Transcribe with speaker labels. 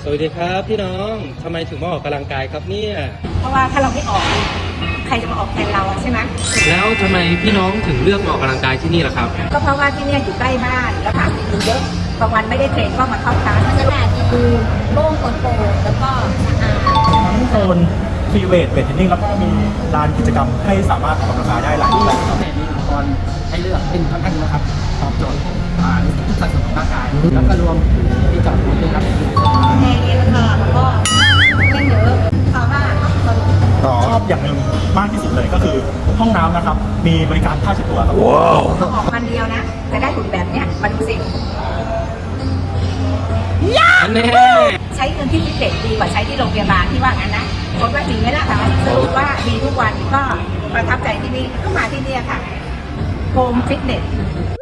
Speaker 1: สวัสดีครับพี่น้องทำไมถึงมาออกกำลังกายครับเนี่ย
Speaker 2: เพราะว่าถ้าเราไม่ออกใครจะมาออกแทนเราใช่ไหม
Speaker 1: แล้วทำไมพี่น้องถึงเลือกมาออกกำลังกายที่นี่ล่ะครับ
Speaker 2: ก็เพราะว่าที่เนี่ยอยู่ใกล้บ้านแล้วค่ะอยู่เยอะบางวันไม่ได้เทรนก็มาเข้าคลาส
Speaker 3: บรรยากาศดีโล่งโปร่งแล้วก็สะอาด
Speaker 4: ทั้งโซนฟรีเวทเวทเทรนนิ่งแล้วก็มีลานกิจกรรมให้สามารถออกกำลังกายได้หลายรูปแบบ
Speaker 5: แต่มีอุปกรณ์ให้เลือกเป็นค่อนข้างเยอะครับตอบโจทย์ทุกสัดส่วนของร่างกายแล้วก็รวมถึงที่จอดรถด้วยครับ
Speaker 2: แอร์เย็นค่ะแล้วก็เล่นเยอะเพราะว่าสนุก
Speaker 4: ชอบอย่างหนึ่งมากที่สุดเลยก็คือห้องน้ำนะครับ มีบริการผ้าเช็ดตัวครับ
Speaker 2: ต้องออกวันเดียวนะจะได้หุ่นแบบเนี้ยมาดูสิ
Speaker 1: อันแน่
Speaker 2: ใช้เงินที่ฟิตเนสดีกว่าใช้ที่โรงพยาบาลที่ว่างั้นนะคนว่าจริงไหมล่ะคะสรุปว่าดีทุกวันก็ประทับใจที่นี่ก็มาที่นี่ค่ะโฮมฟิตเนส